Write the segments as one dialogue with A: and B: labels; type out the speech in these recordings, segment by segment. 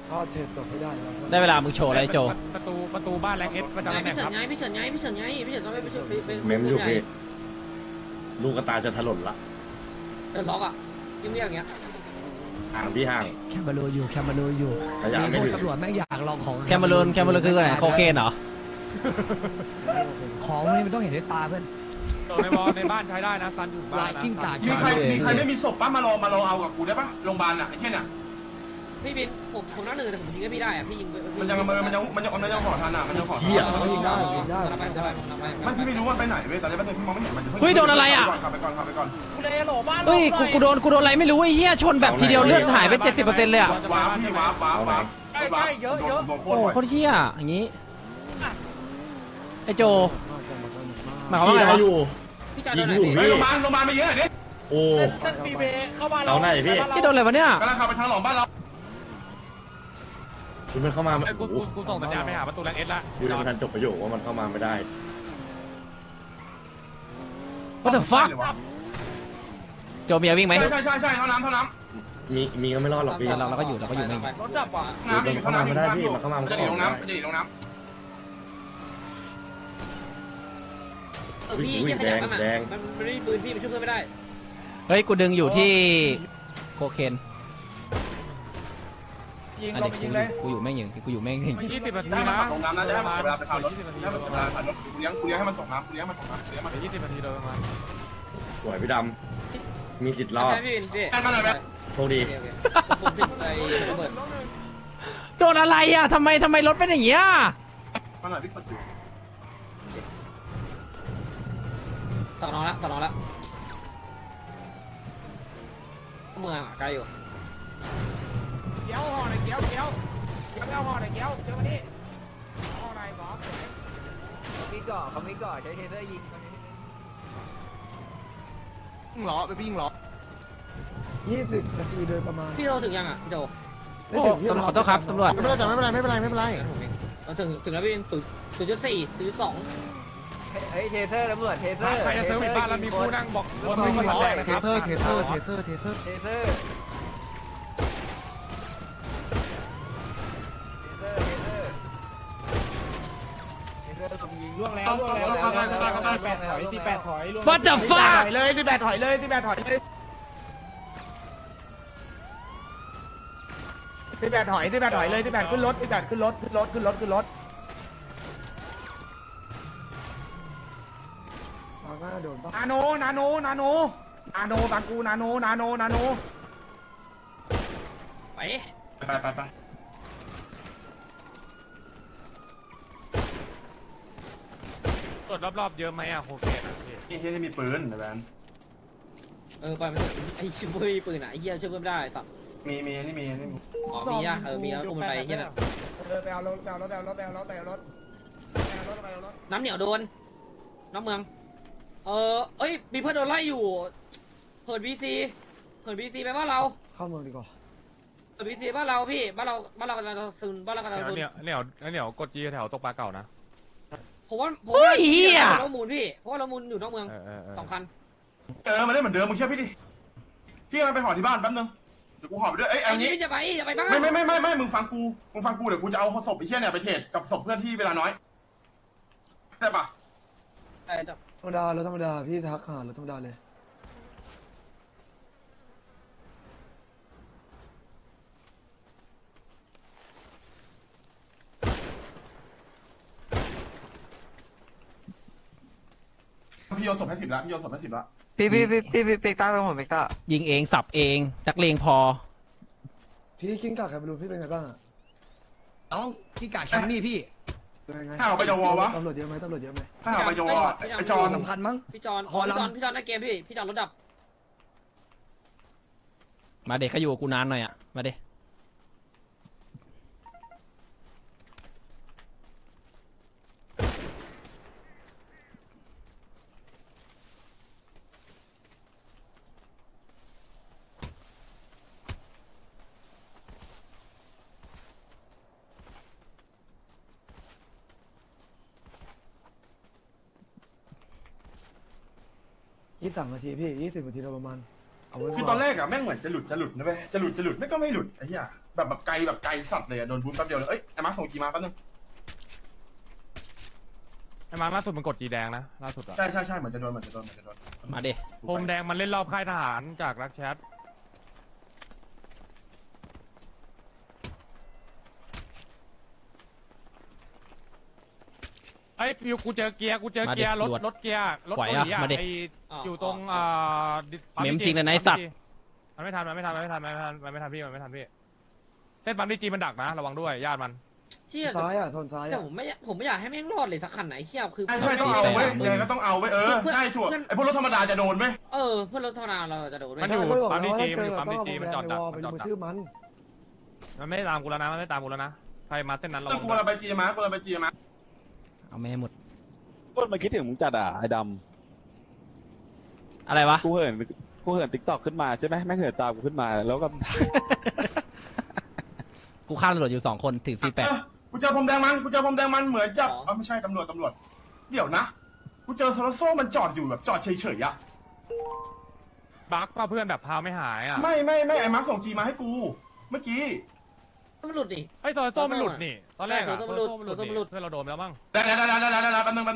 A: ก็เทรดตกให้ได้แล้ว
B: ได้เวลามึงโชว์อะไรโจ
C: ประตูบ้านแรงเอสประจำตำแหน่
D: พี่
C: ง
D: เฉิ
C: คน รับ
D: ไงพี่เฉินไงพี่เฉินไงพี่เฉินต้องไปเป็น
E: เมมอยู่พี่ลูกกระตาจะถล่นละ
D: เดินล็อกอ่ะยิ้มเรียกอย่างเงี้ย
E: ห่างพี่ห่าง
F: แคมเบรูอยู่แคมเบรูอยู่
E: ระยะไม่
F: พว
E: ถึ
F: ก
E: ง
F: ตำรวจแม่งอยากลองของ
B: แคมเบรูนคืออะไรโคเคนเหรอ
F: ของนี่มันต้องเห็นด้วยตาเพื่อน
C: ในวอลในบ้านใช้ได้นะซันอยู่บ้าน
F: ลาย
C: นะ
F: กิ้งก่า
G: มีใครไม่มีศพป้ามารอเอากับกูได้ปะโรงพยาบาลอ่ะไอ้เช่นอ่ะ
D: พี่บินผมนั่งหนึ่งแต่ผมยิงให้พี่ได้อ่ะพี่ยิง
G: มันยังห่อทันอ่ะมันยังห่อทัน
A: ยิงได้ยิงได้
G: มันพี่ไม่รู้ว่าไปไหนเว้ยตอนนี้พี่มองไม่เห็นมัน
B: เฮ้ยโดนอะไรอ่ะ
G: ขับไปก่อน
B: เฮ้ยกูโดนอะไรไม่รู้ไอ้เหี้ยชนแบบทีเดียวเลือดหายไป70%เลยอ่ะ
G: ว้าวพี่ว้าวเยอะโค
B: โอ้
G: ตร
B: โคตรเหี้ยอย่างงี้ไอ้โจหมายความว่าไงวะ
D: พี่จอด
E: ยิ
D: โด
E: ง
D: นไหน
E: อยู่
D: พี่
E: พี่
G: โรงพยาบาลไปเยอะหน่อยดิ
E: โอ้เขาไหนพี่
B: พี่โดนอะไรวะเนี่ย
G: กำลังขับไปทางหลอมบ้านเรา
E: คุณมันเข้ามา
C: กูส่งสัญญาณไปหาประตูแรงเอสละ
E: อยู่ในทันจบประโยคว่ามันเข้ามาไม่ได้
B: What the fuck โจมีวิ่งไหม
G: ใช่เท่าน้ำ
E: มีก็ไม่รอดหรอกพี่
B: เราก็อยู่ไม่
D: รถดับว่ะ
E: มันเข้ามาไม่ได้พี่มันเข้ามา
G: มัน
E: ก็
G: จะหนี
E: อ
G: ล
E: อก
G: ง
E: ได้
G: น้ำมันจะหนีลงน้
D: พี่ยังขยับกันอ่ะมันไม่ได้ปืนพี่มันช่วยเพื่อนไม่ได้
B: เฮ้ยกูดึงอยู่ที่โคเคนยิงลงยิงเลยกูอยู่แม่งยิงกูอยู่แม่งยิง
C: 20 นา
G: ำ
C: ที
G: ได้มา
C: นะ
G: ขับลงน้ำนะจะให้มันเสียเวลาไปพารถให้มันเสียเวลาพารถกูเลี้ยงให้มันตกน้ำเลี้ยงมันตกน้ำ
C: เดี๋ยว20 นาทีโดยประมาณ
E: สวยพี่ดำมีสิทธิ์รอด
D: พี่บินพี่
G: แค่มาหน่อยไหม
E: โชคดี
D: ผมปิดไอ้ระเบิด
B: โดนอะไรอ่ะทำไมรถเป็นอย่างเงี้ย
G: มาหน่อยพี่กดอยู่
D: ต่อน้องละเมืองไกลอยู่
H: เกี้ยวห่อหน่อยเกี้ยวเอาห่อหน่อยเกี้ยวมานี่ห่อหน่อยหมอเขามีก่อใช้เทเซอร์ยิงเหรอไปปิ้งเหรอ
A: 20 นาทีโดยประมาณ
D: พี่โจถึงยังอ่ะพี่โจ
A: ไม่ถึงพี่
B: ขอโทษครับตำรวจ
H: ไม่เป็นไรไม่เป็นไร
D: เราถึงแล้วพี่บิน0.4 0.2
H: เฮ้ยเทเซอร์ตำรวจเทเซอร์
C: ใครจะเซอร์วิสบ้านแล้วมีผู้นั่งบอกบน
H: ปิ้ง
C: บน
H: เหรอ
C: แดงนะ
H: เท
C: ครับ
H: เซอร์เทเซอร์ล่วงแล้ว8ถอย18ถอย
B: What the fuck
H: เลย18ถอยเลย18ถอยเลย18ถอยเลย18ขึ้นรถ18ขึ้นรถ
A: มาหน้าโดนปะ
H: นาโนบางกูนาโน
D: ไป
G: ไป
C: ตรวจรอบๆเยอะไหมอ่ะโอเคนะพี่
G: นี่ที่มีปืนนะแบน
D: ไปมันไอ้ชิบเบอร์ปืนอ่ะไอ้เหี้ยช่วยเพื่อนไม่ได้สัตว์
G: มี
D: อ๋อมีอ่ะมีเอาอุ้มไปเหี้ยน่ะ
H: ไปเอารถ
D: น้ำเหนียวโดนน้ำเมืองเอ้ยมีเพื่อนโดนไล่อยู่เหินบีซีไปบ้านเรา
A: เข้าเมืองดีกว่า
D: เหินบีซีบ้านเราพี่บ้านเรากำลังซึนบ้านเรากำลังซึน
C: เนี่ยกดจีแถวตกปลาเก่านะ
D: ผมว่า
B: เฮ้ยเหี้ย
D: เรามูลพี่เพราะว่าเรามูลอยู่นอกเมือง2 คัน
G: มาได้เหมือนเดิมมึงเชื่อพี่ดิพี่มันไปห่อที่บ้านแป๊บนึงเดี๋ยวกูห่อไปด้วยเอ้ย
D: ไอ้
G: อัน
D: นี่
G: นี้
D: พี่จะไปบ้าน
G: ไม่มึงฟังกูเดี๋ยวกูจะเอาศพไอ้เชี่ยเนี่ยไปเทรดกับศพเพื่อนที่เวลาน้อยได้ปะ
A: ธรรมดารถธรรมดาพี่ทักหารถธรรมดาเลย
G: พี่โยนศพให้10ละพี่โยนศพให้10ละ
H: พี่เบกต้าไปหมดเบกต้า
B: ยิงเองสับเองนักเลงพอ
A: พี่กิ้งก่าใครไม่รู้พี่เป็นไงบ้างอะ
F: น้องกิ้งก่าแคมป์นี่พี่
A: เป็นไง
G: ถ้าเอาไปยาววะ
A: ตำรวจเยอะไหมตำรวจเยอะไหม
G: ถ้าเอาไปยาวไอจอน
F: สำคัญมั้ง
D: พี่จอนในเกมพี่จอนรถดับ
B: มาเด็กเขาอยู่กับกูนานหน่อยอ่ะมาเด็ก
A: 23 นาทีพี่20 นาทีโดยประมาณเอาไว้
G: คือตอนแรกอะแม่งเหมือนจะหลุดนะเว้ยจะหลุดไม่ก็ไม่หลุดไอ้เหี้ยแบบไกลสัตว์เลยอะโดนบูทแป๊บเดียวเลยเอ้ยไอ้มาร์คส่งกีมาแป๊บนึง
C: ไอ้มาร์คล่าสุดมันกดจีแดงนะล่าสุดอะ
G: ใช่เหมือนจะโดน
B: มาดิ
C: โฮมแดงมันเล่นรอบค่ายทหารจากรักแชทไอ้ฟิวกูเจอเกียร์รถเกียร์รถเกาหลีอะไออยู่ตรง
B: เมมจริงเลยนะไอ้สัตว์
C: มันไม่ทันพี่เส้นปั๊มดีจีมันดักนะระวังด้วยญาติมัน
D: เชี่ย
A: ซ้ายอ่ะโซนซ้าย
D: แต่
A: อ่ะ
D: ผมไม่อยากให้แม่งรอดเลยสักคันไหนเชี่ยคือ
G: ใช่ต้องเอาไว้ยังไงก็ต้องเอาไว้ใช่ชัวร์ไอ้พวกรถธรรมดาจะโดนไหม
D: เพื่อนรถธรรมดาเราจะโดนไหม
C: มันอยู่
A: ไม่บอก
C: ปั๊ม
A: แล้ว
C: ดี
A: ว่า
C: จี
A: ถ้าเจ
C: มัน
A: อ
C: อยู่
A: ต้
C: ปั๊
A: อง
C: มดี
A: เอา
C: จี
A: แบ
C: มัน
A: น
C: จอด
A: ใน
C: ดั
A: ว
C: ก
A: อลไปลุมกระทืบมัน
C: มันไม่ตามกูแล้วนะใครมาเส้นนั้นระ
G: เอ
C: วั
G: อง กูเราไปจีมากูเราไปจีมา
B: เอาไม่ให้หมด
I: พูดมาคิดถึงมึงจัดไอ้ด
B: อะไรวะ
I: ำกูเหินติ๊กต็อกขึ้นมาใช่ไหมแม่งเหินตามกูขึ้นมาแล้วก็
B: กูฆ่าตำรวจอยู่2 คนถึง
G: กูเจอพรมแดงมันเหมือนจะไม่ใช่ตำรวจเดี๋ยวนะกูเจอโซโลโซ่มันจอดอยู่แบบจอดเฉยๆอะ
C: บักป่ะเพื่อนแบบพาไม่หายอ่ะ
G: ไม่ไอ้มาร์คส่งจีมาให้กูเมื่อกี้
D: มันหลุดดิ
C: ไอ้โซโซ่มันหลุดนี่ตอนแรกอะ
D: โซโซ่มันหลุด
C: เพื่อนเราโดนไปแล้วมั้ง
G: ได้แป๊บนึง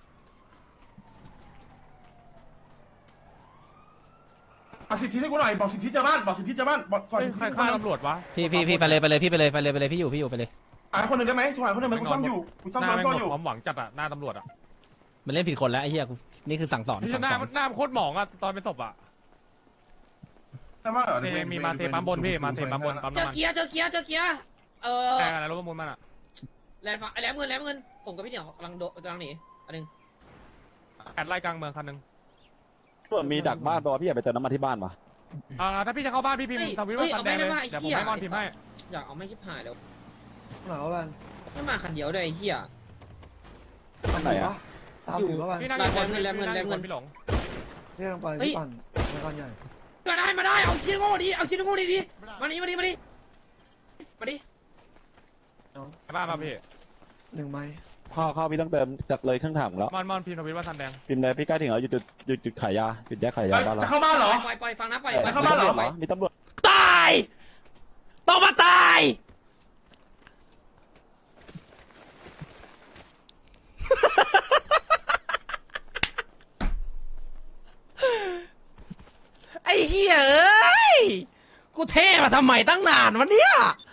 G: เอาสิทธิให้กูหน่อยบอกสิทธิเจ้าบ้านบอก
C: ใครฆ่าตำรวจวะ
B: พี่ไปเลยพี่อยู่ไปเลย
G: คนหนึ่งได้ไหมสมัยคนหนึ่งกูซ่อมอยู่กูซ่อม
C: หน้าแม่ง
G: ซ่อม
C: หม
G: อยู่
C: ดความหวังจัดอะหน้าตำรวจอะ
B: มันเล่นผิดคนแล้วไอ้เหี้ยกูนี่คือสั่งสอน
C: ที่หน้าโคตรหมองอะตอนเป็นศพอะ
G: แต่ว่า
C: มีมาเทปั๊มบนพี่มาเทปั๊มบนปั๊ม
D: เจอ
C: น้ำมัน
D: เกียร์
C: แข่งอะไรรถประมูลมันอะ
D: แหลมเงินผมกับพี่เหนียวกำลังหนีอันนึง
C: แอดไล่กลางเมืองคันนึง
I: ส่วนมีดักบ้านป่ะพี่อยากไปเติมน้ำมันที่บ้านป่ะ
C: ถ้าพี่จะเข้าบ้านพี่พิมพ์ทวิตว่าซันแดงเลยเดี๋ยวผมให้มอนพิมพ์ให้
D: อยากเอาไม่ชิบหายแล้ว
A: หนาวแบน
D: ไม่มาคันเดียวเลยไอ้เหี้ย
I: ข้างไหนอะ
A: ตามถือว่าแบน
C: พี่นั่งอยู่คนพี่หลง
A: พี่ต้องไปพี่ปั่นในการใหญ่
D: มาได้เอาชิ้นโง่ดิมานี่
C: บ้านมาพี่
A: 1 ไม้
I: ข้าวพี่ต้องเติมจากเลยเครื่องถังแล้ว
C: มอนพิมพ์ทวิตว่าซันแดง
I: พิมพ์เลยพี่ใกล้ถึงแล้วหยุดขายยาหยุดแยกขายยาบ้านเรา
G: จะเข้าบ้านเหรอ
D: ปล่อยฟังนะปล่อย
G: เข้าบ้านเหรอ
I: มีตำรวจ
B: ตายต้องมาตายไอ้เหี้ยเอ้ยกูเท่มาทำไมตั้งนานวะเนี่ย